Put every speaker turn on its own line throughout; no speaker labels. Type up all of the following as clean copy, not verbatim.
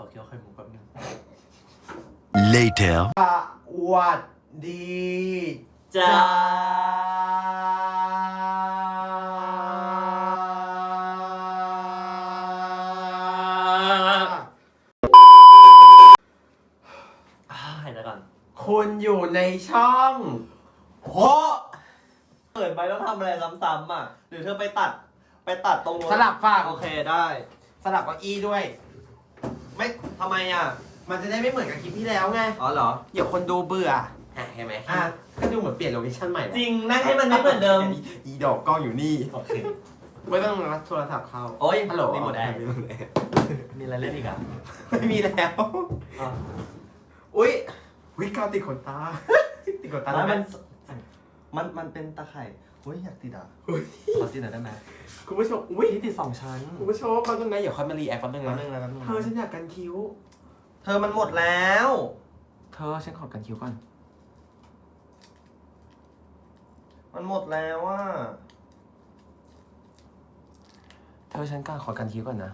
อเคี้ยวไข่มุกแป๊บนึง
Later
สวัสดี
จ้าหายใจก่อน
คุณอยู่ในช่อง
โหเปิดไปต้องทำอะไรซ้ำๆอ่ะหรือเธอไปตัดตรงนู้น
สลับฝั่ง
โอเคได้
สลับเก้าอี้ด้วย
ไม่ทำไมอ่ะ
มันจะได้ไม่เหมือนกับคลิปที่แล้วไง
อ๋อเหรอ
เดี๋ยวคนดูเบื่อเห็นไหม
อ่ะ
ก็ดูเหมือนเปลี่ยนโลเคชั่นใหม่
จริงนั่งให้มันไม่เหมือนเดิม
อีดอกกล้องอยู่นี่
โอเค
ไม่ต้องรับโทรศัพท์เข้า
โอ๊ย
ฮัลโหล
รีโมทแอร์
รีโมทแอร์
มีอะไรเล่นอีกอ่ะ
ไม่มีแล้ว
อ๋อ
อุ้ยวิกาวติดขนตา ติดขนตา
แล้ว
ได้ไห
มันเป็นตะไคร่เฮ้ยอยากติดอ่ะ
อุ๊ย
ขอติดหน่อยได้ไหม
คุณผู้ชมอุ้ย
ที่ติด2 ชั้น
คุณผู้ชมแป๊บนึงนะเดี๋ยวค่อยมารีแอคแป๊บนึง
แป๊บ
นะ
นึงนะแป๊บนึง
เธอฉันอยากกันคิ้ว
เธอมันหมดแล้ว
เธอฉันขอกันคิ้วก่อน
มันหมดแล้วอ่ะ
เธอฉันขอกันคิ้วก่อนนะ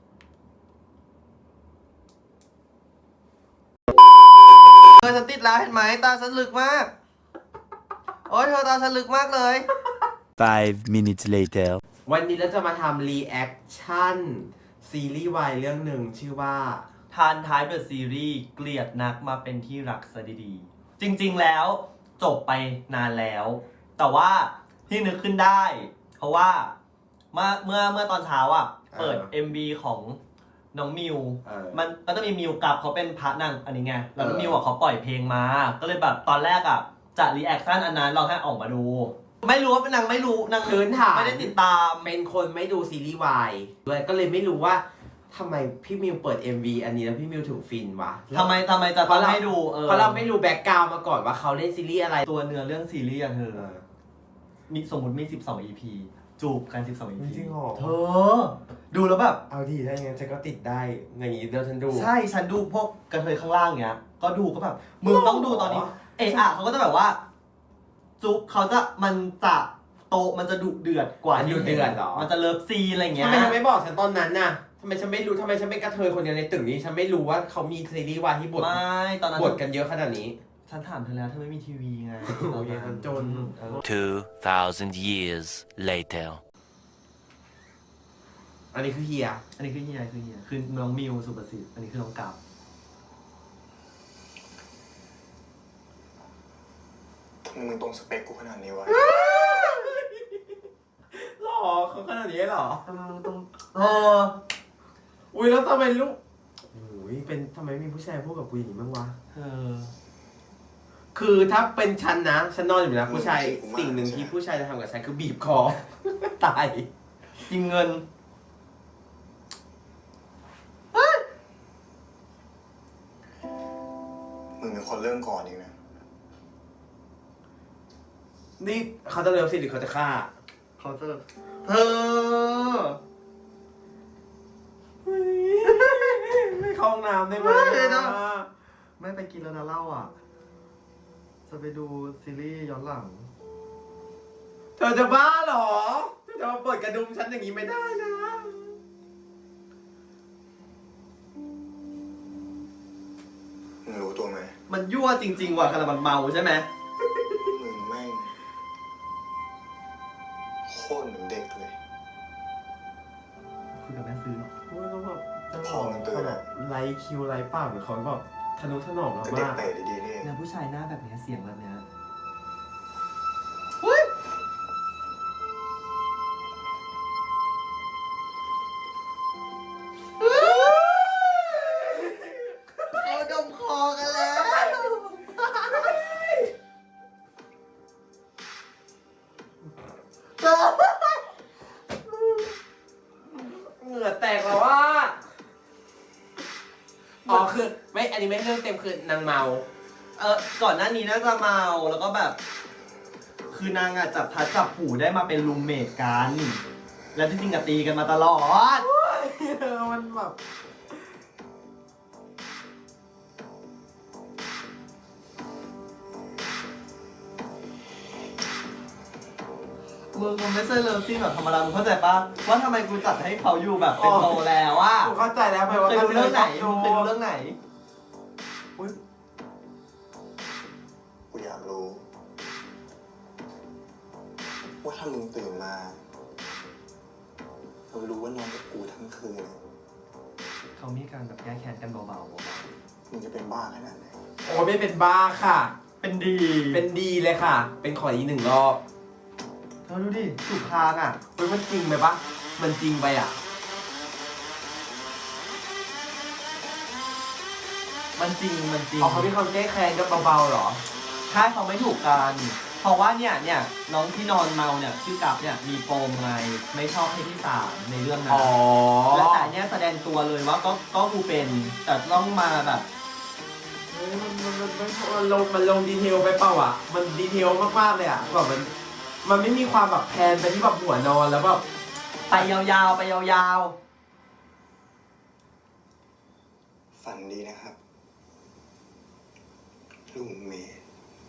เธอฉันติดแล้วเห็นไหมตาฉันลึกมาก โอ้ยเธอตาฉันลึกมากเลย
5 minutes later
วันนี้เราจะมาทำรีแอคชั่นซีรีส์วายเรื่องหนึ่งชื่อว่า
ทานท้ายเดอะซีรีส์เกลียดนักมาเป็นที่รักซะดีๆจริงๆแล้วจบไปนานแล้ว แต่ว่าที่นึกขึ้นได้ เพราะว่าเมื่อตอนเช้าอ่ะ เปิด MV ของน้องมิว มันก็จะมีมิวกับเขาเป็นพระนางอันนี้ไง แล้วน้องมิวอ่ะเขาปล่อยเพลงมา ก็เลยแบบตอนแรกอ่ะจะรีแอคชั่นอันนั้นลองให้ออกมาดู ไม่รู้ว่าเป็นนางไม่รู้นาง
พื้นฐาน
ไม่ได้ติดตาม
เป็นคนไม่ดูซีรีส์วายด้วยก็เลยไม่รู้ว่าทำไมพี่มิวเปิด MV อันนี้แล้วพี่มิวถึงฟินวะ
ทำไมจะต้องให้ดู
เพราะเราไม่รู้แบ็กกราวด์มาก่อนว่าเขาเล่นซีรีส์อะไร
ตัวเนื้อเรื่องซีรีส์อะเธอ มีสมมติมี12 EP จูบกัน12 EP
จริงเหรอ
เธอ ดูแล้วแบบ
เอาดีถ้าอย่างงั้นฉันก็ติดได้อย่างนี้เดี๋ยวฉันดู
ใช่ ฉันดูพวกกระเทยข้างล่างเงี้ย ก็ดูก็แบบ มึงต้องดูตอนนี้ เอะอะเขาก็จะแบบว่า จุ๊บเขาจะมันจะโตมันจะดุเดือดกว่าที่
ดุเดือดเหรอ
มันจะเลิฟซีนอะไรเงี้
ทำ
ย
ไมเธอไม่บอกฉันตอนนั้นน่ะทำไมฉันไม่รู้ทำไมฉันเป็นกระเทยคนเดียวในตึกนี้ฉันไม่รู้ว่าเขามีซีรีส์วายที่บท
ไม่ตอนนั้น
บทกันเยอะขนาดนี้
ฉันถามเธอแล้วเธอไม่มีทีวีไง
โอ้ยฉันจน
2,000 years later
อันนี้คือเฮีย
อันนี้คือเฮียคือน้องมิวสุประสิทธิ์อันนี้คือน้องกับ
ทำไมมึงตรงสเปคกูขนาดนี้วะ
หรอเขาขนาดนี้เหรอ
เออ
อุ้ยแล้วทำไมลูกอุ้ยเป็นทำไมมีผู้ชายพูดกับกูอย่างนี้บ้างวะ
เออ
คือถ้าเป็นฉันนะฉันนอนอยู่นะผู้ชายสิ่งหนึ่งที่ผู้ชายจะทำกับฉันคือบีบคอ ตาย
จริงเงิน
มึงเป็นคนเริ่มก่อนเองนะ
นี่เขาจะเลิฟสิหรือเขาจะฆ่า
เขาจะเธอ
ไม่เข้าห้องน้ำได้ไหม
ไม่นะ ไม่ไปกินแล้วนะเหล้าอ่ะ จะไปดูซีรีส์ย้อนหลัง
เธอจะบ้าเหรอเธอจะมาเปิดกระดุมฉันอย่างนี้ไม่ได้นะ
มึงรู้ตัวไหม
มันยั่วจริงๆว่ะขนาดมันเมาใช่ไหม
มึงแม่งโคตรเหมือนเด็กเลย
คุยกับแม่ซื้อหรอ
โอ้ยแล้วแบบจะบ
พอ
อก
มันตื่น
เขาแบ
อะ
บไลค์คิวไลค์ปากเหมือนเขาแบบทะนุถนอมเรา
เป็นเด็ก
มาก
เตะดีๆนี่เอง
เนี่ยผู้ชายหน้าแบบเนี้ยเสียงแบบเนี้ยเขาดมคอกันแล้ว
เหงื่อแตกแล้วว่าอ๋อคือไม่อันนี้ไม่เรื่องเต็มคือนางเมา
ก่อนหน้านี้น่าจะเมาแล้วก็แบบ คือนางอะจับพัดจับผูได้มาเป็นรูมเมทกัน แล้วที่จริงอะตีกันมาตลอด
มันแบบ
มึงมันไม่ใช่เลิฟซีนแบบธรรมดามึงเข้าใจปะว่าทำไมกูจัดให้เขาอยู่แบบเป็นโตแล้วอ่ะ
กูเข้าใจแล้วไป
เค
ว่าย
ดูเรื่องไหน
ดู
มึงเคยดูเรื่องไหน
อุ๊ย
กูอยากรู้ ว่าถ้ามึงตื่นมาเรารู้ว่านอนกับกูทั้งคืน
เขามีการแบบแก้แค้นกันเบา
มึงจะเป็นบ้าขนาดไหน
โอ้ไม่เป็นบ้าค่ะ
ๆเป็นดี
เป็นดีเลยค่ะ เป็นขออีก1 รอบ
เธอดูดิถูกคางอ่ะ
เฮ้ยมันจริงไหมปะมันจริงไปอ่ะ
มันจริง
อ๋อเขามีความแก้แค้นกันเบาๆเหรอ
ถ้าเขาไม่ถูกกัน เพราะว่าเนี่ยน้องที่นอนเมาเนี่ยชื่อกับเนี่ยมีปมไงไม่ชอบเพศที่3ในเรื่องนั้
อ๋
น
อ
และแต่เนี่ยแสดงตัวเลยว่าก็กูเป็น แต่ต้องมาแบบ
เฮ้ยมันลงดีเทลไปเปล่าอ่ะ มันดีเทลมากๆเลยอ่ะแบบมันไม่มีความแบบแพนไปที่แบบหัวนอนแล้วแบบ
ไปยาวๆไปยาว
ฝันดีนะครับ ลุงเมย์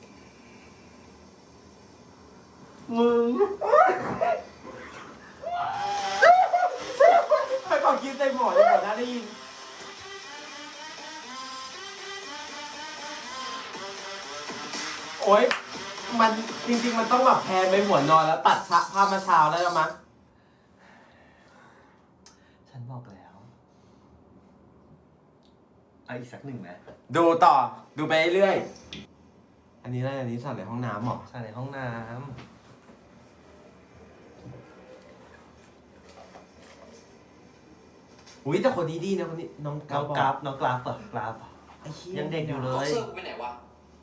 ๆมึง
ไปเป่าคิดใส่หมอเลยหมดน่าได้ยิน โอ๊ย มันจริงๆมันต้องแบบแพนไปหัวนอนแล้วตัดภาพมาเช้าแล้วมั้ง
ฉันบอกแล้วเอาอีกสักหนึ่งไหม
ดูต่อ ดูไปเรื่อยๆอันนี้อะไรอันนี้สั่นในห้องน้ำเหรอ
ใช่ในห้องน้
อุ้ยแต่คนนี้ดีนะคนนี้น้อง
ำ
กรา
น้
ฟ
องกราฟน้องกราฟเหรอกราฟ
ไอ้เหี้
ยังเด็กอยู่เล
บ็อกเซอร์กูไปไหนวะ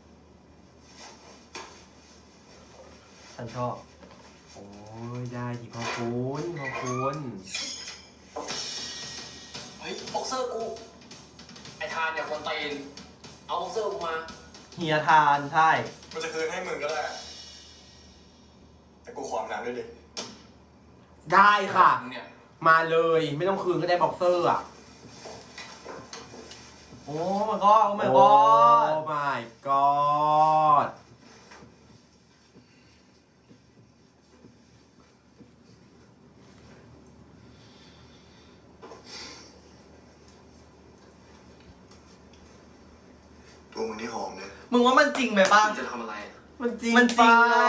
ฉันชอบ
โอ้ยได้ดิขอบคุณขอบคุณ
เฮ้ยบ็อกเซอร์กู ไอทานเนี่ยคนตีน เอาบ็อกเซอร์กูมา
เฮียทานใช่
กูจะคืนให้มึงก็ได้ แต่กูขออาบน้ำด้วยดิ
ได้ค่ะ
มึงเนี่ย
มาเลยไม่ต้องคืนก็ได้บ็อกเซอร์อ่ะ
โอ้ my god โอ้ my
โอ้
god
my god
ตัวมึงที่หอมเนี่ย
มึงว่ามันจริงไหมป้า
มึงจะทำอะไร
มันจริง
มันจริง
ไป
เนอะ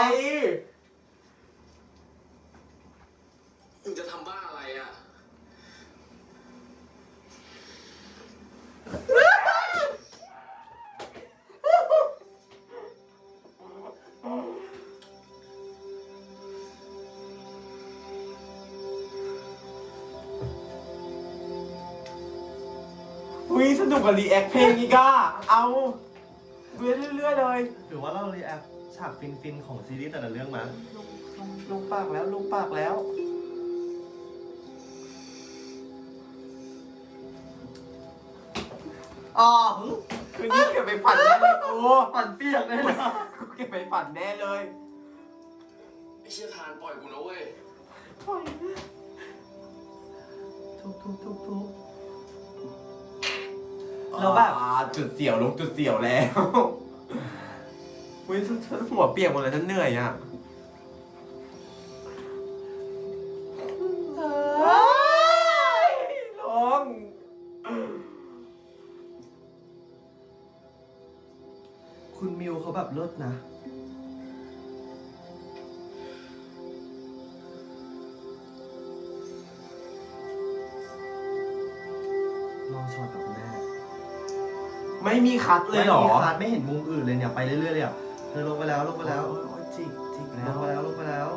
มึงจะทำบ้าอะไรอ่ะ
อุ้ยสนุกกับรีแอคเพลงนี้ก้าเอาดูเรื่อยๆเลย
หรือว่าเรารีแอคฉากฟินๆของซีรีส์แต่ละเรื่องมา
ลงปากแล้วลงปากแล้ว
อ๋อ
คืนนี้เก็บไปฝันแน่เลยกู
ปั่นเปียกเลยนะ
กูเก็บไปฝันแน่เลย
ไอเชี่ยทานปล่อยกูนะเว้ย
ทุบแล้วแบบ
จุดเสียวลงจุดเสียวแล้วอุ้ยหัวเปียกหมดเลยฉันเหนื่อยอ่ะลง
คุณมิวเขาแบบเลิศนะ ลองช็อตกับคุณแม่
ไม่มีคัดเลยเหรอ
ไม่มีคาดไม่เห็นมุมอื่นเลยเนี่ย ไปเรื่อยๆเลยอ่ะเธอลงไปแล้วลงไปแล้ว
โอ้ยจิก
ล
แล้
ง
ว
ไปแล้วลงไปแล้ว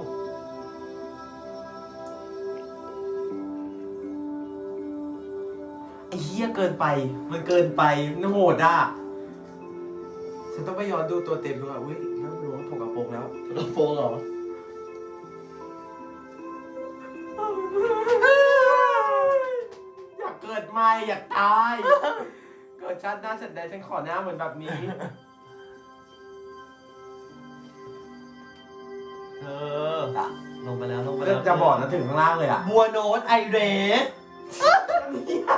ไอ้เหี้ยเกินไป มันเกินไปมันโหดอ่ะ ฉันต้องไปย้อนดูตัวเต็มดูอ่ะ อุ้ยเริ่มรู้ว่าถกกระโปรงแล้ว
กระโปรงเหรอ
อยากเกิดใหม่อยากตาย เกิดชาติหน้าเสร็จได้ฉันขอหน้าเหมือนแบบนี้
เออ ลงไปแล้วลงไปแล้ว
จะบอกนะถึงข้างล่างเลยอ่ะ
บัวโนตไอเรส
เนี่ย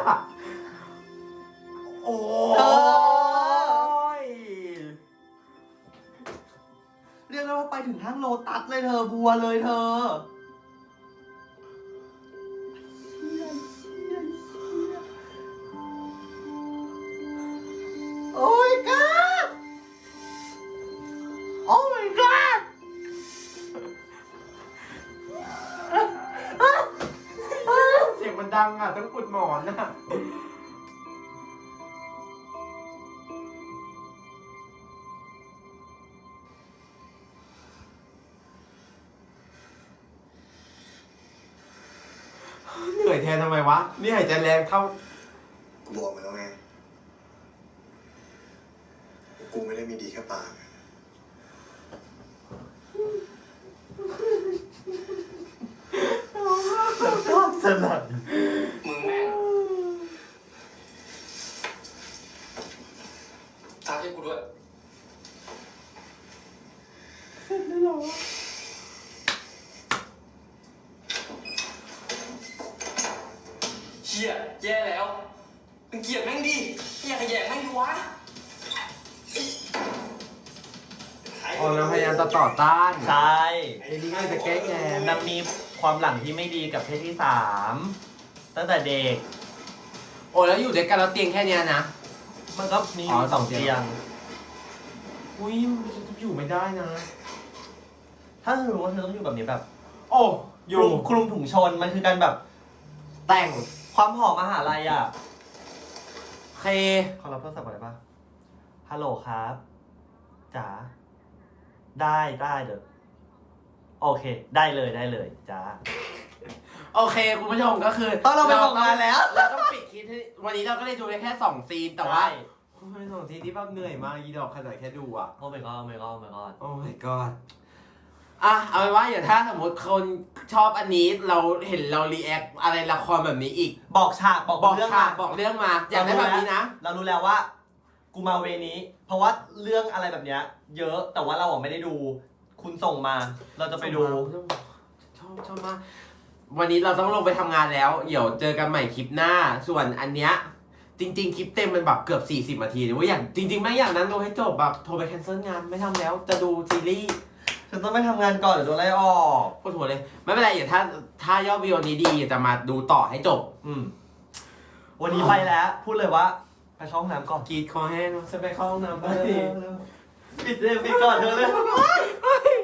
โอ้ย
เรียกได้ว่าไปถึงทั้งโลตัสเลยเธอบัวเลยเธอโอ้ยก้าโอ้ my god
เสียงมันดังอ่ะต้องอุดหมอนอ่ะเหนื่อยแทนทำไมวะ นี่หายใจแรงเท่า
กูบอกมาแล้วไงกูไม่ได้มีดีแค่ปาก
ก็สลัด
มึงแม่งตาให้กูด้วย
เสร็จแล้วเหรอ
เชี่ยแย่แล้วมึงเกลียดแม่งดิไม่อยากขยงแม่งดิวะ
อ๋อเราพยายามจะต่อต้าน
ใช่
ไอ้นี่ก็จะแก้แค้น
นางมีความหลังที่ไม่ดีกับเพศที่สามตั้งแต่เด็ก
โอ้แล้วอยู่ด้วยกันแล้วเตียงแค่เนี้ยนะ
มันก็มี
อ๋อ
สอง
สองเตี
เตี
ยง
ยง
อุ้ยจะอยู่ไม่ได้นะ
ถ้าเธอรู้ว่าเธอต้องอยู่แบบนี้แบบ
โอ้อ
ค
ยู่
ลุมถุงชนมันคือการแบบ
แต่ง
ความหอมมหาลัยอ่ะ
เค
ขอรับโทรศัพท์ก่อนได้ปะฮัลโหลครับจ๋าได้เดี๋ยวโอเค ได้เลยจ้า
โอเคคุณผู้ชมก็คือ
ตอนเราไปส่งงานแล้ว
เราต้องปิดคลิปที่วันนี้เราก็ได้ดูไปแค่2ซีนแต่ว่า
ใช่
โอ้ย2ซีนที่แบบเหนื่อยมากอีดอกขนาดแค่ดูอ่ะ
โอ้ my god โอ้ my god โอ้ my god
โอ้ my god อ่ะเอาไว้ว่าอย่าถ้าสมมติคนชอบอันนี้เราเห็นเรารีแอคอะไรละครแบบนี้อีก
บอกฉากบอก
บอก
เรื่อง
ฉาก
มา
บอกเรื่องมาอยากได้แบบนี้นะ
เรารู้แล้วว่า กูมาเวนี้ เพราะว่าเรื่องอะไรแบบเนี้ยเยอะแต่ว่าเราอ่ะไม่ได้ดู คุณส่งมา เราจะไปดู
ชอบมากวันนี้เราต้องลงไปทำงานแล้ว เดี๋ยวเจอกันใหม่คลิปหน้า ส่วนอันเนี้ยจริง ๆ คลิปเต็มมันแบบเกือบ40นาทีเลยว่าอย่างจริง ๆ ไม่อย่างนั้นดูให้จบแบบโทรไปแคนเซิลงานไม่ทำแล้ว จะดูซีรีส์
ฉันต้องไปทำงานก่อนเดี๋ยวโดนไล่ออก
ปวดหัวเลย ไม่เป็นไรเดี๋ยวถ้ายอดวิวนี้ดีจะมาดูต่อให้จบ
วันนี้ไปแล้ว พูดเลยว่า ไปเข้าห้องน้ำก่อน
กรีดคอแห้งจะไปเข้าห้องน้ำไป
ปิดเลยปิดก่อนเธอเลย